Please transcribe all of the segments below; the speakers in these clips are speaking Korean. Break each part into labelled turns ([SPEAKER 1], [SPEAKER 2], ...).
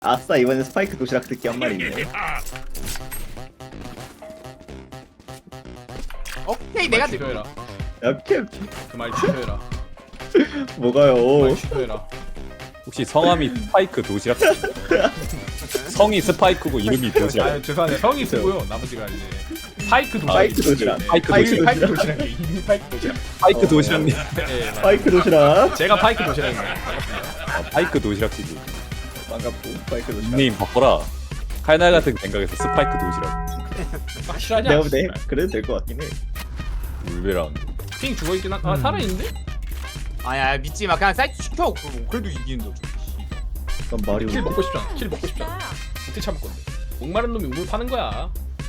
[SPEAKER 1] 아싸, 이번엔 스파이크 도시락 듣기 한 마리 있네.
[SPEAKER 2] 오케이 내가 들고
[SPEAKER 3] 취소해라.
[SPEAKER 1] 약해.
[SPEAKER 3] 그 말 취소해라. 그
[SPEAKER 1] 뭐가요?
[SPEAKER 3] 말 취소해라.
[SPEAKER 4] 혹시 성함이 스파이크 도시락? 성이 스파이크고 이름이 도시락.
[SPEAKER 3] 아 죄송한데 성이 쓰고요. 나머지가 이제 파이크 도시락.
[SPEAKER 1] 파이크 도시락.
[SPEAKER 3] 네.
[SPEAKER 4] 파이크
[SPEAKER 1] 도시락.
[SPEAKER 3] 파이크 도시락. 이름이 파이크 도시락.
[SPEAKER 4] 파이크 도시락님.
[SPEAKER 3] 네, 맞아요.
[SPEAKER 1] 스파이크 도시락.
[SPEAKER 3] 제가 파이크 도시락입니다. 반갑습니다.
[SPEAKER 4] 파이크 도시락이지.
[SPEAKER 1] 반갑고, 스파이크 도시락.
[SPEAKER 4] 닉네임 바꿔라. 칼날 같은 생각에서 스파이크 도시락.
[SPEAKER 3] 확실하냐?
[SPEAKER 1] 내가 볼때 그래도 될 것 같긴 해.
[SPEAKER 4] 울베랑.
[SPEAKER 3] 핑 죽어 있긴 한. 아 살아있는데?
[SPEAKER 2] 아야 믿지마 그냥 사이트 시켜 그래도 이기는 거죠.
[SPEAKER 1] 난 말이
[SPEAKER 3] 킬
[SPEAKER 1] 오는데.
[SPEAKER 3] 먹고 싶잖아. 킬 먹고 싶잖아. 어떻게 참을 건데? 목마른 놈이 우물 파는 거야.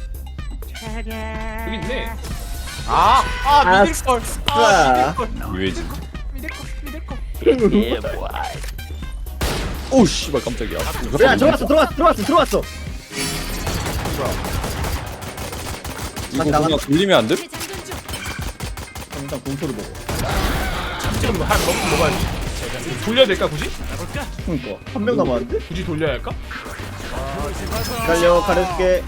[SPEAKER 3] 여기 있네.
[SPEAKER 2] 아 믿을걸
[SPEAKER 1] 아,
[SPEAKER 4] 유해진.
[SPEAKER 2] 믿을걸
[SPEAKER 4] 오 씨발 깜짝이야.
[SPEAKER 1] 야, 들어왔어.
[SPEAKER 4] 이거
[SPEAKER 1] 나가.
[SPEAKER 4] 그냥 돌리면 안 돼?
[SPEAKER 1] 일단 공포를 먹어.
[SPEAKER 3] 지금 한 먹고 먹어야지. 돌려야 될까 굳이?
[SPEAKER 1] 그니까 한 명 남았는데?
[SPEAKER 3] 굳이 돌려야 할까?
[SPEAKER 1] 기다려, 가려줄게.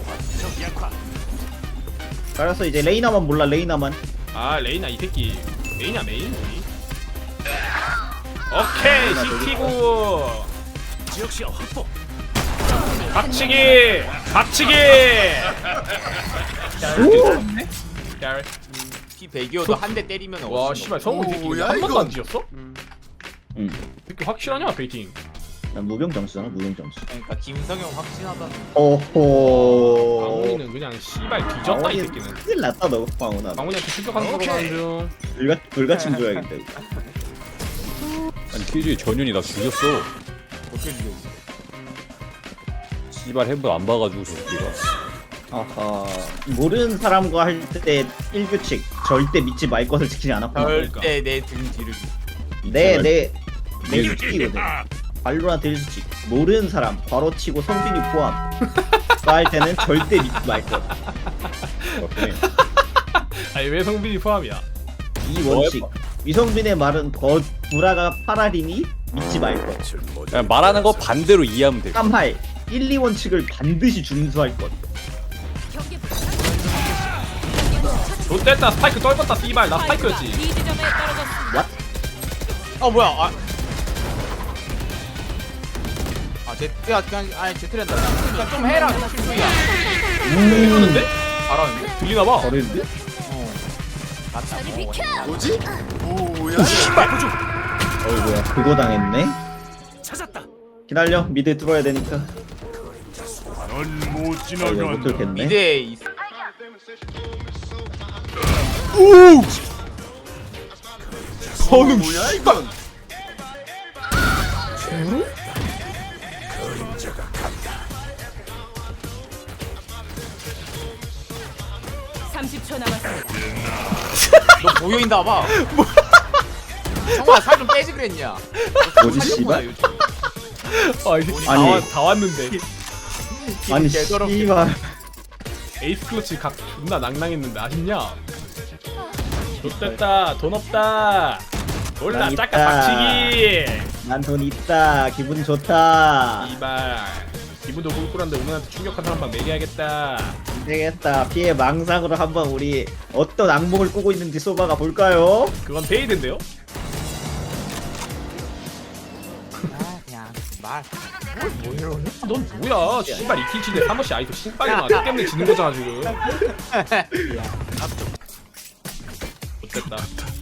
[SPEAKER 1] 가렸어. 이제 레이나만 몰라. 레이나만.
[SPEAKER 3] 아 레이나 이 새끼 메인이야 메인 우리. 오케이 시키고 지역시야 확보. 박치기. 야래.
[SPEAKER 2] 피 100이어도 한 대 때리면
[SPEAKER 3] 와 씨발 성우 이 새끼 한 번도 안 지었어?
[SPEAKER 1] 응.
[SPEAKER 3] 이렇게 확실하냐 베이팅?
[SPEAKER 1] 난 무병 점수잖아. 무병 점수.
[SPEAKER 2] 그러니까 김성형 확신하다.
[SPEAKER 1] 오호.
[SPEAKER 3] 방훈이는 그냥 씨발 뒤졌다 이 새끼는.
[SPEAKER 1] 큰일 났다 너, 방훈아.
[SPEAKER 3] 방훈이한테 출격하는 거로 가는 중.
[SPEAKER 1] 불가침 줘야겠다. 이거.
[SPEAKER 4] 아니 퀴즈의 전윤이 나 죽였어.
[SPEAKER 2] 어떻게 죽여?
[SPEAKER 4] 씨발 해본 안 봐가지고 저 새끼가.
[SPEAKER 1] 아하. 모르는 사람과 할 때 1규칙. 절대 믿지 말 것을 지키지 않았구나.
[SPEAKER 2] 절대 내 등 뒤를.
[SPEAKER 1] 내 규칙이거든. 발로란트 1규칙. 모르는 사람 바로 치고 성빈이 포함. 할 때는 절대 믿지 말 것.
[SPEAKER 4] 오케이.
[SPEAKER 3] 아니 왜 성빈이 포함이야?
[SPEAKER 1] 이 원칙. 위성빈의 말은 더 구라가 파라리니 믿지 말 것.
[SPEAKER 4] 그냥 말하는 거 반대로 이해하면 돼.
[SPEAKER 1] 3할 1, 2원칙을 반드시 준수할 것.
[SPEAKER 3] 롯됐다 스파이크 떨궜다 씨발 나 스파이크였지.
[SPEAKER 2] 뭐야? 제트야 그냥 제트랜다. 그냥 좀 해라. 실수야.
[SPEAKER 3] 이러는데?
[SPEAKER 2] 잘하는데?
[SPEAKER 3] 들리나봐.
[SPEAKER 1] 버리는데?
[SPEAKER 2] 맞다.
[SPEAKER 5] 뭐지? 오야.
[SPEAKER 1] 뭐야, 그거 당했네? 기다려, 미드 뚫어야 되니까.
[SPEAKER 5] 넌못
[SPEAKER 1] 못 뚫겠네.
[SPEAKER 2] 미드에 있.
[SPEAKER 5] 성능 뭐야 이건?
[SPEAKER 6] 30초 남았습니다.
[SPEAKER 2] 너 보여인다 봐. 형아 살 좀 빼지 그랬냐?
[SPEAKER 1] 뭐지,
[SPEAKER 2] 살렸구나,
[SPEAKER 1] 씨발?
[SPEAKER 2] 요즘.
[SPEAKER 3] 아 이게
[SPEAKER 1] 아니.
[SPEAKER 3] 다 왔는데.
[SPEAKER 1] 아니,
[SPEAKER 2] 개더럽게.
[SPEAKER 1] 씨발.
[SPEAKER 3] 에이스 클러치 각 존나 낭낭했는데 아쉽냐? 롯됐다 돈 없다. 몰라
[SPEAKER 1] 난
[SPEAKER 3] 짝까
[SPEAKER 1] 있다.
[SPEAKER 3] 박치기.
[SPEAKER 1] 난 돈 있다. 기분 좋다.
[SPEAKER 3] 이발 기분도 꿀꿀한데 오늘한테 충격한 사람 방 매겨야겠다.
[SPEAKER 1] 되겠다. 피해 망상으로 한번 우리 어떤 악몽을 꾸고 있는지 쏘바가 볼까요?
[SPEAKER 3] 그건 페이드인데요?
[SPEAKER 2] 그냥 말.
[SPEAKER 3] 넌 뭐야? 씨발 이킬치인데 사모씨 아이도 신발이나 너 때문에 지는 거잖아 지금. 어땠다.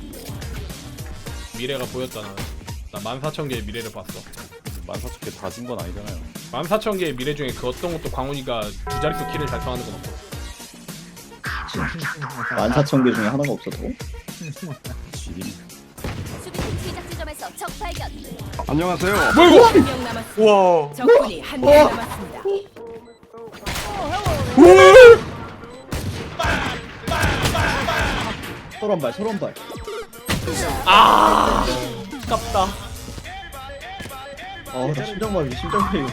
[SPEAKER 3] 미래가 보였잖아. 나 14,000개의 미래를 봤어.
[SPEAKER 4] 14,000개 다 진 건 아니잖아요.
[SPEAKER 3] 14,000개의 미래 중에 그 어떤 것도 광훈이가 두 자릿수 킬을 달성하는 건 없고.
[SPEAKER 1] 14,000개 중에 하나가 없어도.
[SPEAKER 4] 지림.
[SPEAKER 6] 수비팀 시작 지점에서 적 발견.
[SPEAKER 5] 안녕하세요.
[SPEAKER 6] 한명 남았습니다.
[SPEAKER 2] 우와.
[SPEAKER 6] 적군이 한 명 남았습니다.
[SPEAKER 1] 서른발, 서른발.
[SPEAKER 3] 아깝다.
[SPEAKER 1] 나 심장마비, 심장마비.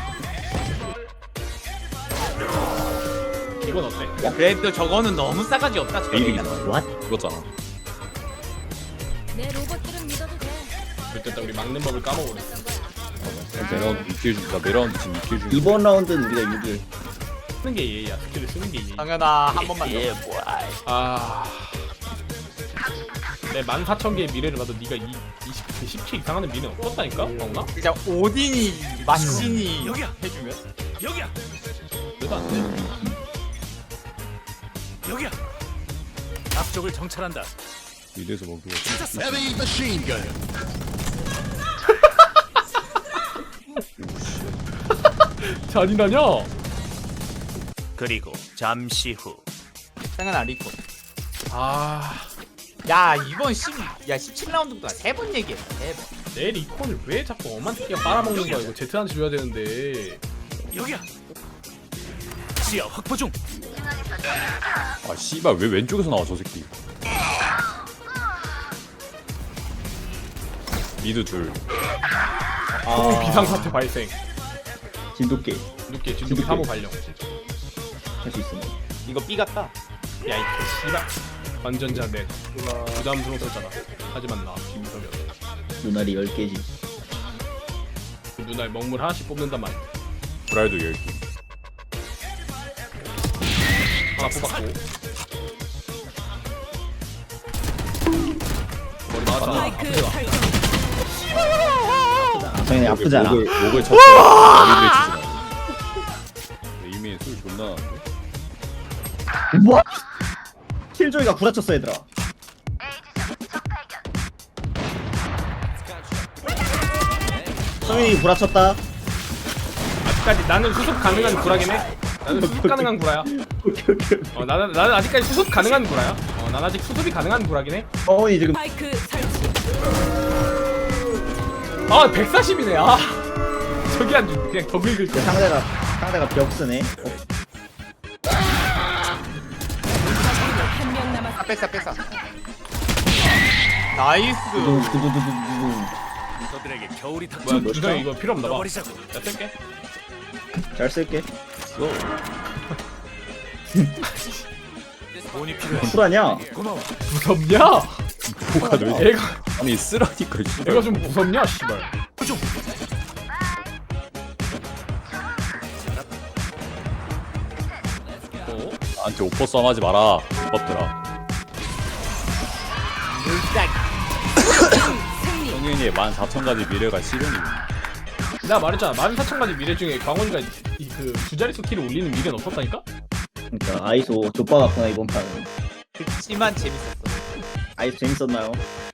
[SPEAKER 3] 이건 어때?
[SPEAKER 2] 야 그래도 저거는 너무 싸가지 없다. 저거.
[SPEAKER 4] 베일이잖아.
[SPEAKER 1] What?
[SPEAKER 4] 그거잖아.
[SPEAKER 6] 내 로봇들은 믿어도 돼.
[SPEAKER 3] 그때 우리 막는 법을 까먹어버렸어.
[SPEAKER 4] 매라운드 2킬 중. 나 매라운드 지금 2킬 중.
[SPEAKER 1] 이번 라운드는 우리가 유리해.
[SPEAKER 3] 쓰는 게 예의야. 스킬을 쓰는 게 예의.
[SPEAKER 2] 당연아 한 번만 더.
[SPEAKER 3] 아. 내 14,000개의 미래를 봐도 네가 10킬 이상 하는 미래는 없었다니까? 없나?
[SPEAKER 2] 진짜 오딘이 마신이 해주면
[SPEAKER 3] 그래도 안 돼.
[SPEAKER 7] 앞쪽을 정찰한다.
[SPEAKER 4] 미드에서 먹기가.
[SPEAKER 7] 헤비 머신건.
[SPEAKER 3] 잔인하냐?
[SPEAKER 7] 그리고 잠시 후
[SPEAKER 2] 당연아 리콘.
[SPEAKER 3] 아.
[SPEAKER 2] 야 이번 17라운드부터 3번 얘기했어 3번.
[SPEAKER 3] 내 리콘을 왜 자꾸 엄한 새끼가 빨아먹는 거야? 이거 제트한테 줘야 되는데.
[SPEAKER 7] 여기야. 시야 확보 중.
[SPEAKER 4] 아 씨발 왜 왼쪽에서 나와 저 새끼. 미드 둘.
[SPEAKER 3] 또 비상사태 발생.
[SPEAKER 1] 진돗개
[SPEAKER 3] 늦게 진돗개 3호 발령.
[SPEAKER 1] 할 수 있습니다.
[SPEAKER 2] 이거 B 같다.
[SPEAKER 3] 야, 이 씨발. 완전자 넷. 부담스러웠잖아. 하지만 나 김서면.
[SPEAKER 1] 눈알이 10개지.
[SPEAKER 3] 그 눈알 먹물 하나씩 뽑는단 말이야.
[SPEAKER 4] 브라이드 10개.
[SPEAKER 3] 하나 뽑았고. 머리 나왔잖아.
[SPEAKER 6] 스파이크 설정.
[SPEAKER 1] 당연히 아프지 않아.
[SPEAKER 4] 목을 쳤어. 머리를 치지 마. 이미 술 존나 나는데.
[SPEAKER 1] 뭐? 킬조이가 구라쳤어 얘들아. 성윤이 구라쳤다.
[SPEAKER 3] 아직까지 나는 수습 가능한 구라긴 해. 나는 수습 가능한 구라야. 나는 아직까지 수습 가능한 구라야. 난 아직 수습이 가능한 구라긴 해.
[SPEAKER 1] 성윤이 지금
[SPEAKER 6] 스파이크 설치.
[SPEAKER 3] 아 140이네. 아 저기 안 주. 그냥 더 긁을 거야.
[SPEAKER 1] 상대가 벽쓰네.
[SPEAKER 6] 한 명 남았습니다.
[SPEAKER 2] 뺐어. 나이스.
[SPEAKER 1] 두두두두두두.
[SPEAKER 7] 너들에게 겨울이
[SPEAKER 3] 뭐야
[SPEAKER 7] 닥쳐.
[SPEAKER 3] 주장 이거 필요 없나 봐.
[SPEAKER 7] 버리자고.
[SPEAKER 3] 야 쓸게.
[SPEAKER 1] 잘 쓸게.
[SPEAKER 7] 돈이 필요해.
[SPEAKER 1] 쿨하냐?
[SPEAKER 7] 고마워.
[SPEAKER 3] 무섭냐?
[SPEAKER 4] 뭐가 왜?
[SPEAKER 3] 애가
[SPEAKER 4] 아니 쓰라니까 씨발.
[SPEAKER 3] 애가 좀 무섭냐 씨발.
[SPEAKER 7] 좀.
[SPEAKER 4] 나한테 오퍼 썸 하지 마라. 무겁더라.
[SPEAKER 6] 승리.
[SPEAKER 4] 성윤이의 14,000가지 미래가 실현이.
[SPEAKER 3] 내가 말했잖아. 14,000가지 미래 중에 광원이가 그 두 자릿수 키를 올리는 미래는 없었다니까?
[SPEAKER 1] 그러니까 아이소 좆바 같구나 이번 판은.
[SPEAKER 2] 그치만 재밌었어.
[SPEAKER 1] 아이소 재밌었나요?